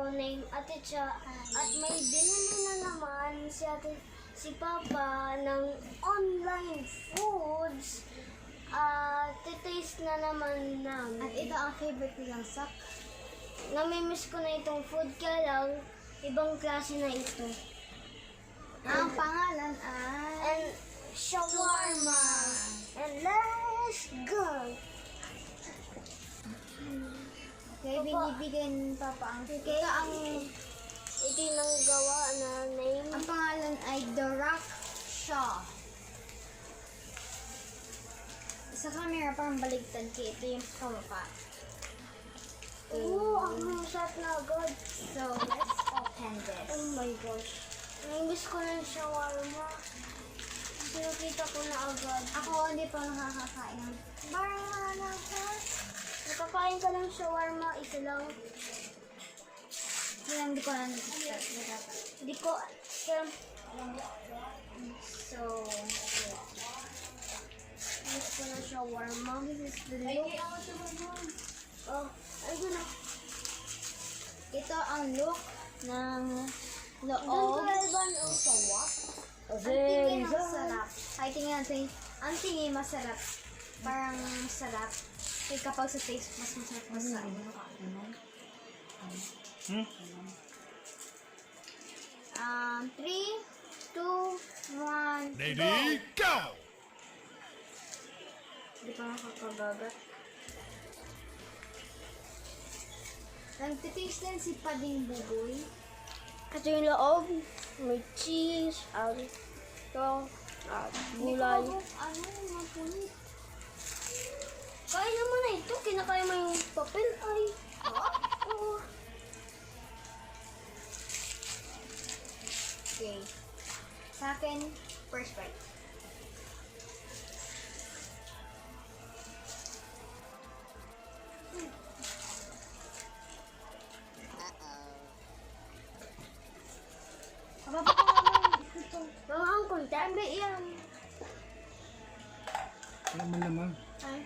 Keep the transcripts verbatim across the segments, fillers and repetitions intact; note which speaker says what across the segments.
Speaker 1: name Ate Cha. At may binili na naman si Ate, si Papa ng online foods. At titaste na naman namin.
Speaker 2: At ito ang favorite nilang sak.
Speaker 1: Namimiss ko na itong food, kaya lang, ibang klase na ito.
Speaker 2: Ang pangalan ay...
Speaker 1: And shawarma. And let's go!
Speaker 2: Okay, binibigay ni Papa ang...
Speaker 1: Okay, ang ito yung nanggawa na name.
Speaker 2: Ang pangalan ay The Rock Shaw. Sa camera parang baligtad kaya ito yung kamapa.
Speaker 1: Oo, ang masarap na agad.
Speaker 2: So, let's open this.
Speaker 1: Oh my gosh. Namiss ko na yung shawarma. Sinukita ko na agad.
Speaker 2: Ako hindi pa nakakakain.
Speaker 1: Bara na ka. Nakakain ka ng shawarma, isa lang.
Speaker 2: Hindi lang, hindi ko lang nakakakain.
Speaker 1: Hindi ko, um,
Speaker 2: So,
Speaker 1: namiss ko na shawarma. This is the look. Oh, ayun na.
Speaker 2: ito ang look ng
Speaker 1: Doon
Speaker 2: loob.
Speaker 1: ko lalban ang sawa.
Speaker 2: Ang tingin masarap. Ay, tingin natin. Ang tingin masarap. Parang masarap. Kaya kapag sa taste, mas masarap mas sa
Speaker 3: Hmm?
Speaker 2: Um, three, two, one,
Speaker 3: Ready, go!
Speaker 2: Hindi pa nakakabagat. Nagtitaste din si Pading Bugoy.
Speaker 1: Ito yung loob. May cheese, um, ito, at gulay.
Speaker 2: Hindi ko mabuk- ano, mapulit.
Speaker 1: Kaya naman na ito. Kinakaya mo yung papel. Ay. Oh.
Speaker 2: Okay. Sa akin, first bite. Kababa ko naman ito.
Speaker 1: Mga ang konti. Yan.
Speaker 3: Wala man naman.
Speaker 2: Ay.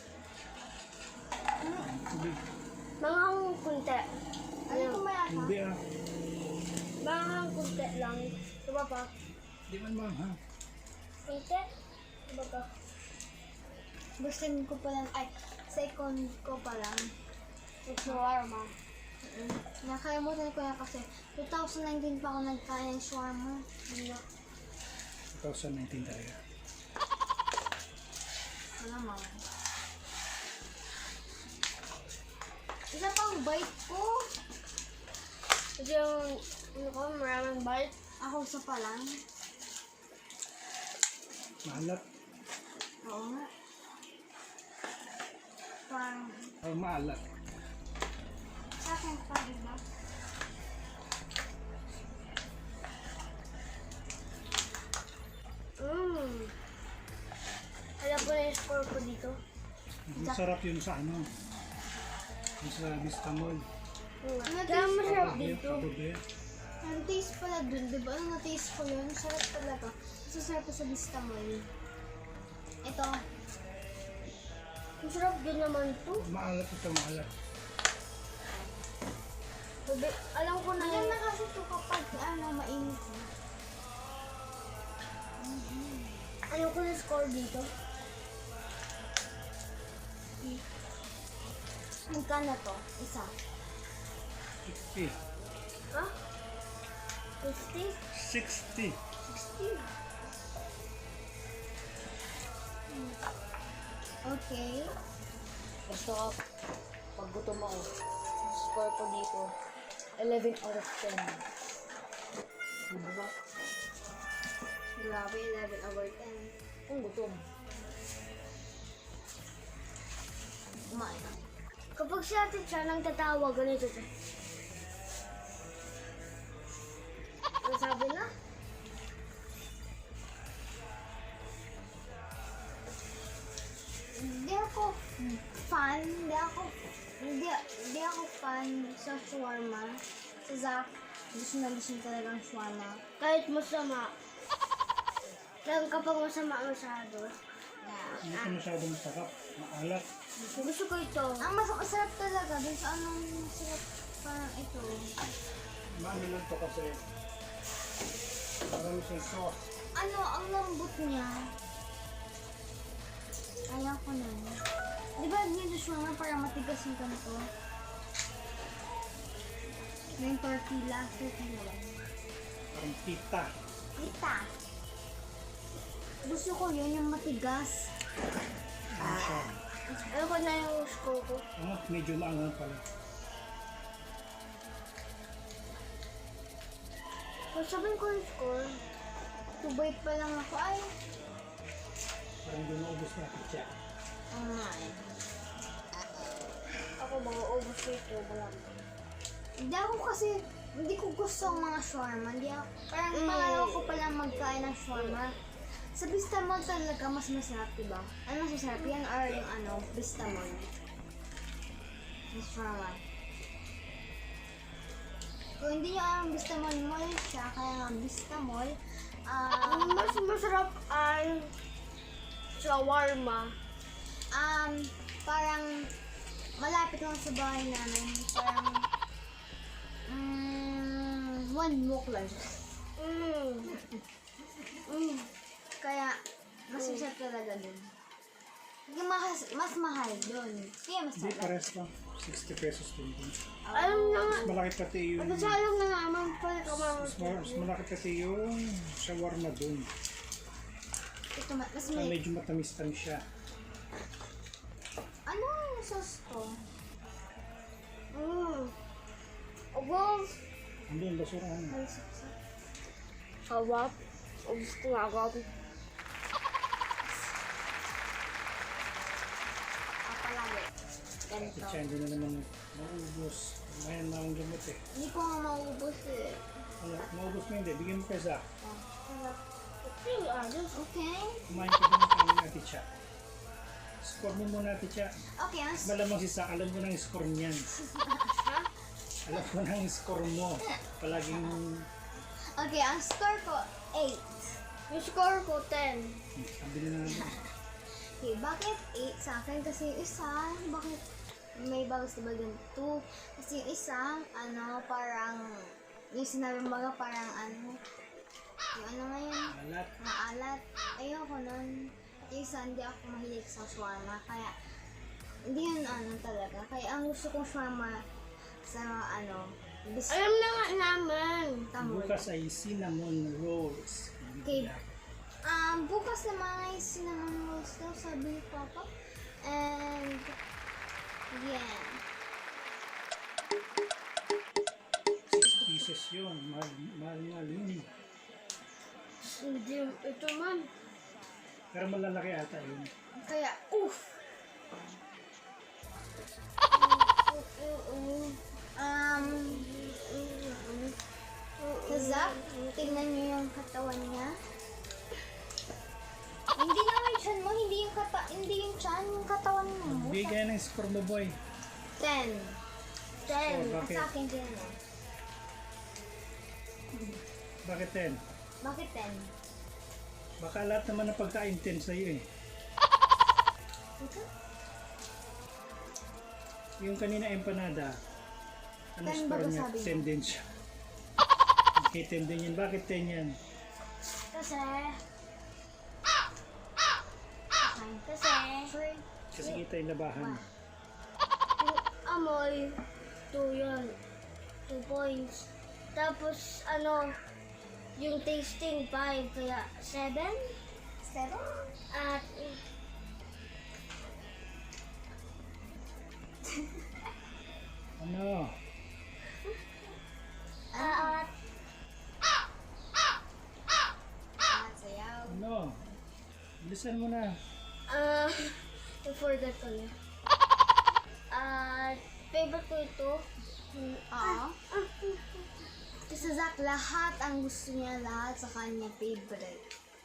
Speaker 3: Hindi.
Speaker 1: Mga ang konti.
Speaker 2: Ano ito mayata?
Speaker 3: Hindi ah.
Speaker 1: Mga ang konti lang. Diba pa?
Speaker 3: Hindi man man ha.
Speaker 1: Konti. Diba pa?
Speaker 2: Gusto ko pa lang, ay, second ko pa lang.
Speaker 1: It's shawarma.
Speaker 2: Nakalimutan ko na kasi twenty nineteen pa ako nagkain ng shawarma.
Speaker 3: twenty nineteen talaga.
Speaker 2: Ano naman. Isa pang bite ko.
Speaker 1: Ito yung, ano ko, maraming bite.
Speaker 2: Ako sa pa lang.
Speaker 3: Maalat.
Speaker 2: Oo nga. Parang,
Speaker 3: Oh, maalat.
Speaker 2: sa akin pa, diba?
Speaker 1: Mmm. Alam ko na yung score ko dito.
Speaker 3: Masarap yun sa ano. Yung sa Vista Mall.
Speaker 1: Mm.
Speaker 2: Ano
Speaker 1: Kaya
Speaker 2: taste
Speaker 1: masarap
Speaker 3: Pabahe,
Speaker 1: dito.
Speaker 3: pabahe.
Speaker 2: Ang taste pala dun, diba? Ang na-taste ko yun, sarap talaga. Mas sarap pa sa Vista Mall. Ito,
Speaker 1: Masarap din naman ito.
Speaker 3: Maalat ito, maalat.
Speaker 1: Sabi, alam ko na
Speaker 2: maganda
Speaker 1: yung...
Speaker 2: kasi ito kapag ano, mainit.
Speaker 1: Alam ko na yung score dito.
Speaker 2: Magkano to? Isa.
Speaker 3: sixty.
Speaker 1: Ha? fifty?
Speaker 3: sixty.
Speaker 1: sixty?
Speaker 2: Okay.
Speaker 4: Masarap. Pag gutom ako, score ko dito, eleven out of ten. Diba?
Speaker 2: Grabe, eleven over ten.
Speaker 4: Kung gutom.
Speaker 2: Kumain ka.
Speaker 1: Kapag si Ate Cha nang tatawa, ganito siya. Ano sabi na?
Speaker 2: Hindi ako fan, hindi ako, hindi, hindi ako fan sa shawarma. Sa Zach, gusto na gusto niya talagang shawarma.
Speaker 1: Kahit masama. Lang kapag masama masyado.
Speaker 2: Yeah.
Speaker 3: Hindi ito masyadong sarap. Maalat.
Speaker 1: Gusto ko ito.
Speaker 2: Ang mas masarap talaga dun sa anong masarap parang ito.
Speaker 3: maano lang to kasi marami siyang sauce.
Speaker 2: Ano, ang lambot niya. Ayaw ko na. Di ba dito siya nga para matigas yung ganito? Yung tortilla. Tortilla ba?
Speaker 3: Parang tita.
Speaker 2: Kita. Gusto ko yun, yung matigas.
Speaker 3: Ano siya?
Speaker 1: Ano ko na yung score ko?
Speaker 3: Ah, medyo maangang pala.
Speaker 1: Kung sabihin ko yung score,
Speaker 2: Tubay pa lang ako. Ay,
Speaker 3: Parang hindi maubos natin siya.
Speaker 2: ang nga eh.
Speaker 1: ako mga ubos ito. Wala.
Speaker 2: Hindi ako kasi, hindi ko gusto ang mga shawarma. Hindi ako, parang
Speaker 1: Mm.
Speaker 2: pangalawa ko palang magkain ng shawarma. Sa Bistamol talaga mas masarap, diba? Ano mas masarap yan or yung ano, Bistamol? Yung shawarma. Kung hindi nyo alam, Bistamol mall siya, kaya nga Bistamol. Ah,
Speaker 1: Ang mas masarap ay shawarma.
Speaker 2: um, parang malapit lang sa bahay namin. Parang, mm, one walk lang siya.
Speaker 1: Mm. Mm.
Speaker 2: Kaya, mas masarap talaga dun. Yung mas, mas mahal dun. Kaya mas
Speaker 3: Hindi,
Speaker 2: sarap.
Speaker 3: pares lang. sixty pesos din.
Speaker 1: Alam na nga.
Speaker 3: Mas malaki pati yung...
Speaker 1: Nagsasalang na naman pala ka mga
Speaker 3: Mas, ma- mas malaki pati yung shawarma dun.
Speaker 2: Ito, ma- mas
Speaker 3: So,
Speaker 2: may...
Speaker 3: medyo matamis-tamis siya.
Speaker 2: Ano yung sauce ko?
Speaker 1: Mm. Abo.
Speaker 3: Hindi, yung basurahan.
Speaker 2: Ay, sauce.
Speaker 1: Sarap. Ubus ko nga agad.
Speaker 2: Ah, palagi. Ganito.
Speaker 3: Siya, hindi na naman maubos. Mayan na ang gamot eh.
Speaker 2: Hindi ko nga maubos eh.
Speaker 3: Ano, maubos mo hindi. Bigyan mo kay Zach.
Speaker 1: Okay, ayos.
Speaker 2: Okay?
Speaker 3: Kumain ka din ng kanin natin siya. Score mo muna natin siya.
Speaker 2: Okay, ang
Speaker 3: Malamang si Zach, alam mo na yung score niyan. Alam mo na yung score mo. Palaging...
Speaker 2: Okay, ang score ko, eight.
Speaker 1: Yung score ko, ten.
Speaker 3: Sabi na natin.
Speaker 2: Okay, bakit eight sa akin? Kasi yung isa, bakit may bagus diba dun two? Kasi yung isa, ano, parang, yung sinabi mo nga parang ano, yung ano nga yun,
Speaker 3: Alat.
Speaker 2: maalat. Ayoko nun. At yung isa, hindi ako mahilig sa shawarma. Kaya, hindi yun ano talaga. Kaya ang gusto kong shawarma sa ano, bis
Speaker 1: Alam na nga naman.
Speaker 2: tamol.
Speaker 3: Bukas ay cinnamon rolls.
Speaker 2: Okay. Um, bukas naman ay cinnamon rolls daw, sabi ni Papa. And, yeah.
Speaker 3: Six pieces yun. Mahal, mahal, mahal yun.
Speaker 1: Hindi, ito man.
Speaker 3: Pero malalaki ata yun.
Speaker 2: Kaya, uff! Um, sa Zach, tingnan niyo yung katawan niya. Hindi naman yung chan mo, hindi yung kata, hindi yung chan, yung katawan mo.
Speaker 3: Bigay ng score mo, boy.
Speaker 2: Ten. Ten.
Speaker 3: Oh,
Speaker 2: At
Speaker 3: bakit?
Speaker 2: sa akin din, no?
Speaker 3: Bakit ten?
Speaker 2: Bakit ten?
Speaker 3: Baka lahat naman ng pagkain ten sa'yo eh.
Speaker 2: Ito?
Speaker 3: Yung kanina empanada, ano
Speaker 2: Ten
Speaker 3: score
Speaker 2: ba
Speaker 3: niya?
Speaker 2: sabi mo?
Speaker 3: ten din siya. Okay, ten din yan. Bakit ten yan?
Speaker 2: Kasi,
Speaker 1: Kasi,
Speaker 2: free.
Speaker 3: Kasi kita yung labahan.
Speaker 1: yung amoy, two yun. Two points. Tapos, ano, yung tasting, five. Kaya, seven.
Speaker 2: Seven?
Speaker 1: At,
Speaker 3: Ano?
Speaker 1: at,
Speaker 2: At sayaw.
Speaker 3: Ano? Bilisan mo na.
Speaker 1: ah, I forgot ko na. At, favorite ko ito.
Speaker 2: Oo. Kasi sa Zach, lahat ang gusto niya, lahat sa kanya favorite.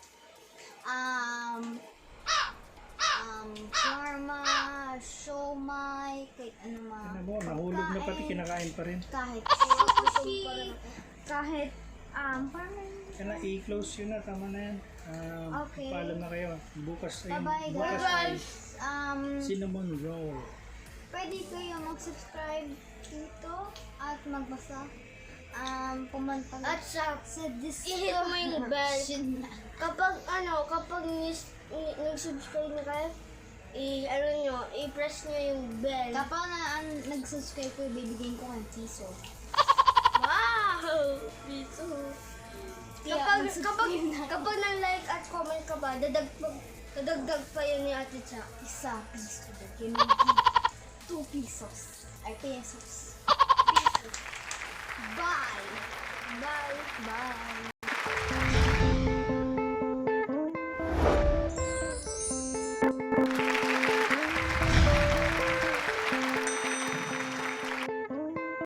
Speaker 2: Um, um, shawarma, siomai, kahit ano mga
Speaker 3: Ano mo, nahulog na pati
Speaker 2: pagkain.
Speaker 3: kinakain pa rin.
Speaker 2: Kahit sushi, kahit, um, parang,
Speaker 3: Kaya na i-close yun na, tama na yan. Um,
Speaker 2: Okay.
Speaker 3: Paalam na kayo. Bukas ay,
Speaker 2: bye-bye
Speaker 3: bukas ay
Speaker 2: guys. Um,
Speaker 3: cinnamon roll.
Speaker 2: pwede kayo mag-subscribe dito at magbasa um, pumunta na
Speaker 1: At sa,
Speaker 2: sa
Speaker 1: i-hit mo yung bell.
Speaker 2: description na.
Speaker 1: Kapag ano, kapag nis- ni- nag-subscribe na kayo, i ano nyo, i-press nyo yung bell.
Speaker 2: Kapag na, an- nag-subscribe ko, bibigyan ko ng piso.
Speaker 1: Wow! Piso.
Speaker 2: Kaya,
Speaker 1: Kapag,
Speaker 2: mag-subscribe
Speaker 1: kapag,
Speaker 2: na.
Speaker 1: kapag nang-like at comment ka ba, dadagpag, dadagdag pa yun ni Ate Cha.
Speaker 2: Isa piso. Bigyan mo ng two pesos. Ay, pesos.
Speaker 1: Bye! Bye!
Speaker 2: Bye!